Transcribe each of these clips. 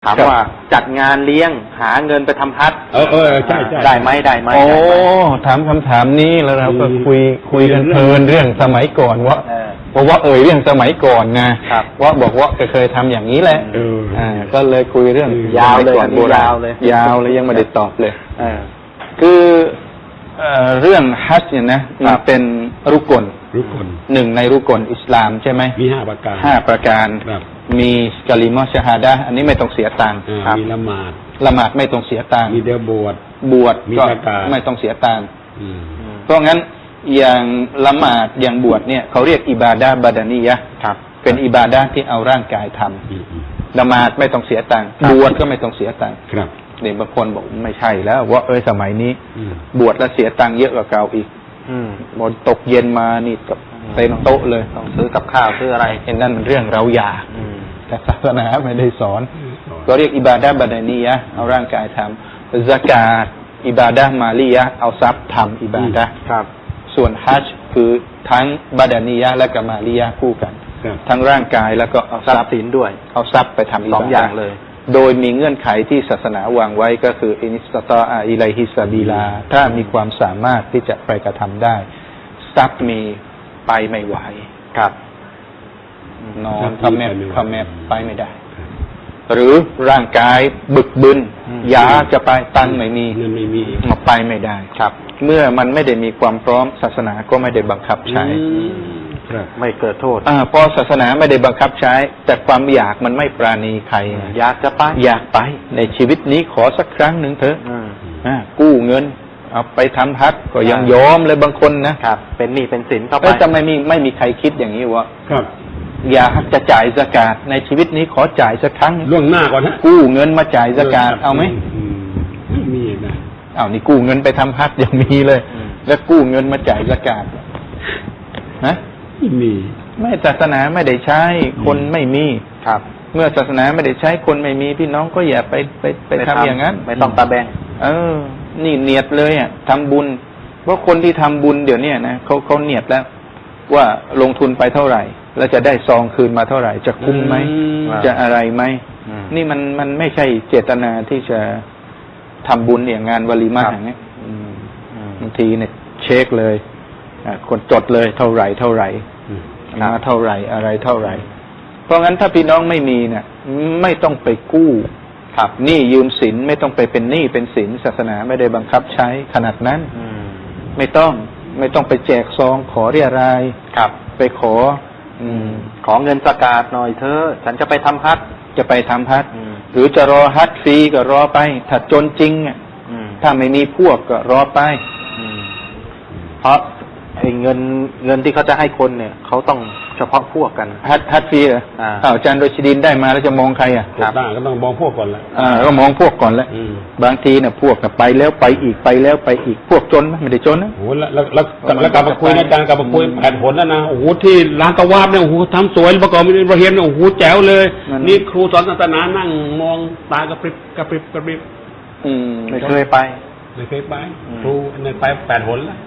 ถามว่าจัดงานเลี้ยงหาเงินไปทำฮัจญ์ใช่ได้ไหมได้ไหมโอ้ถามคำถามนี้แล้วเราก็คุยกันเพลินเรื่องสมัยก่อนว่าเพราะว่าเรื่องสมัยก่อนนะว่าบอกว่าเคยทำอย่างนี้แหละก็เลยคุยเรื่องยาวเลยยาวเลยยังไม่ได้ตอบเลยคือเรื่องฮัจญ์เนี่ยนะมันเป็นรุกลหนึ่งในรุกลอิสลามใช่ไหมมี5 ประการมีกะลิมะชะฮาดะห์อันนี้ไม่ต้องเสียตังค์มีละหมาดไม่ต้องเสียตังค์มีเดียวบวชก็ไม่ต้องเสียตังค์เพราะงั้นอย่างละหมาดอย่างบวชเนี่ยเขาเรียกอิบาดะห์บะดานียะห์เป็นอิบาดะห์ที่เอาร่างกายทำละหมาดไม่ต้องเสียตังค์บวชก็ไม่ต้องเสียตังค์เด็กบางคนบอกไม่ใช่แล้วว่าสมัยนี้บวชแล้วเสียตังค์เยอะกว่าเก่าอีกหมดตกเย็นมานี่กับเต็มโต๊ะเลยต้องซื้อกับข้าวซื้ออะไรนั่นมันเรื่องเราอยากแต่ศาสนาไม่ได้สอนก็เรียกอิบาดะห์บะดานียะห์เอาร่างกายทำซะกาตอิบาดะห์มาลียะห์เอาทรัพย์ทำอิบาดะห์ส่วนฮัจญ์คือทั้งบะดานียะห์และก็มาลียะห์คู่กันทั้งร่างกายแล้วก็เอาทรัพย์สินด้วยเอาทรัพย์ไปทำอิบาดะห์2 อย่างเลยโดยมีเงื่อนไขที่ศาสนาวางไว้ก็คืออินิสตาอิไลฮิสบีลาถ้ามีความสามารถที่จะไปกระทำได้ทรัพย์มีไปไม่ไหวครับนอนคำแมบไปไม่ได้หรือร่างกายบึกบึนยาจะไปตังไม่มีมาไปไม่ได้ครับเมื่อมันไม่ได้มีความพร้อมศาสนาก็ไม่ได้บังคับใช้ไม่เกิดโทษพอศาสนาไม่ได้บังคับใช้แต่ความอยากมันไม่ปราณีใครอยากจะไปอยากไปในชีวิตนี้ขอสักครั้งหนึ่งเถอะกู้เงินเอาไปทำฮัจญ์ก็ยังยอมเลยบางคนนะครับเป็นหนี้เป็นสินเข้าไปแต่ไม่มีใครคิดอย่างนี้วะอยากจะจ่ายซะกาตในชีวิตนี้ขอจ่ายสักครั้งล่วงหน้าก่อนนะกู้เงินมาจ่ายซะกาตเอาไหมมีนะนี่กู้เงินไปทำฮัจญ์ยังมีเลยแล้วกู้เงินมาจ่ายซะกาตนะไม่ศาสนาไม่ได้ใช้คนไม่มีครับเมื่อศาสนาไม่ได้ใช้คนไม่มีพี่น้องก็อย่าไปทำอย่างนั้นไม่ต้องตาแบงนี่เนียดเลยทำบุญเพราะคนที่ทำบุญเดี๋ยวนี้นะเขาเนียดแล้วว่าลงทุนไปเท่าไหร่แล้วจะได้ซองคืนมาเท่าไหร่จะคุ้มไหมจะอะไรไหมนี่มันไม่ใช่เจตนาที่จะทำบุญอย่างงานวลีมาอย่างนี้บางทีเนี่ยเช็คเลยคนจดเลยเท่าไหร่มาเท่าไหร่อะไรเท่าไหร่เพราะงั้นถ้าพี่น้องไม่มีเนี่ยไม่ต้องไปกู้หนี้ยืมสินไม่ต้องไปเป็นหนี้เป็นสินศาสนาไม่ได้บังคับใช้ขนาดนั้นไม่ต้องไปแจกซองขอเรียรายไปขอเงินซะกาตหน่อยเถอะฉันจะไปทำฮัจญ์หรือจะรอฮัจญ์ฟรีก็รอไปถ้าจนจริงถ้าไม่มีพวกก็รอไปเพราะเงินที่เขาจะให้คนเนี่ยเขาต้องเฉพาะพวกกันฮัจญ์ฟรีเหรออาจารย์โรชิดินได้มาแล้วจะมองใครก็ต้องมองพวกก่อนแล้วก็มองพวกก่อนแล้วบางทีเนี่ยพวกไปแล้วไปอีกไปแล้วไปอีกพวกจนไม่ได้จนนะโอ้แล้วกลับมาคุยนะอาจารย์กลับมาคุย8 ผลแล้วนะโอ้โหที่ร้านกวาดเนี่ยโอ้โหทำสวยประกอบมีประเฮียนโอ้โหแจ๋วเลยนี่ครูสอนศาสนานั่งมองตากระพริบไม่เคยไปครูเนี่ยไป8 ผลแล้ว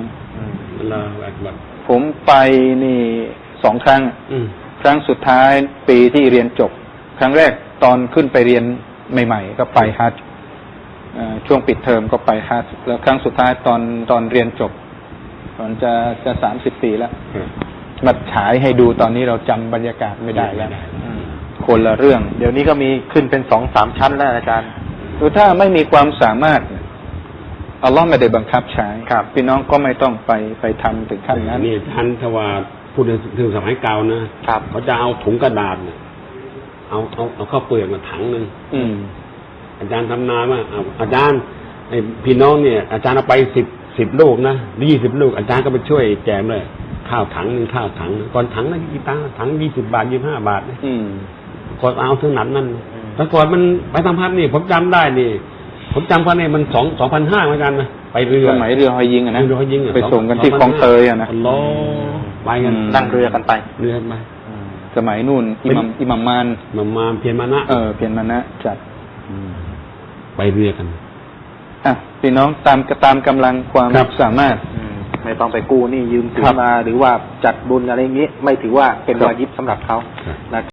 ผมไปนี่2 ครั้งครั้งสุดท้ายปีที่เรียนจบครั้งแรกตอนขึ้นไปเรียนใหม่ๆก็ไปฮัจญ์ช่วงปิดเทอมก็ไปฮัจญ์แล้วครั้งสุดท้ายตอนเรียนจบตอนจะ30 ปีแล้วมาฉายให้ดูตอนนี้เราจำบรรยากาศไม่ได้แล้วคนละเรื่องเดี๋ยวนี้ก็มีขึ้นเป็น2-3 ชั้นแล้วอาจารย์คือถ้าไม่มีความสามารถอัลลอฮ์ไม่ได้บังคับใช้พี่น้องก็ไม่ต้องไปทำถึงขั้นนั้นนี่ท่านทว่าพูดถึงสมัยเก่านะเขาจะเอาถุงกระดาษเอาข้าวเปลือกมาถังนึงอาจารย์ทำนาว่าอาจารย์ไอพี่น้องเนี่ยอาจารย์เอาไป10 ลูกนะ20 ลูกอาจารย์ก็ไปช่วยแจมเลยข้าวถังนึงก่อนถังละกี่ตังค์ถัง20 บาท25 บาทก่อนเอาถึงนั้นแต่ก่อนมันไปทำพัดนี่ผมจำได้นี่ผมจำว่าเนี่ยมัน2,500เหมือนกันนะไปเรือสมัยเรือหอยยิงนะไปส่งกันที่คลองเตยนะไปกันนั่งเรือกันไปสมัยนู่นอิหมัมมานเพียรมานะเพียรมานะจัดไปเรือกันพี่น้องตามกำลังความสามารถไม่ต้องไปกู้นี่ยืมสินมาหรือว่าจัดบุญอะไรอย่างนี้ไม่ถือว่าเป็นวาญิบสำหรับเขา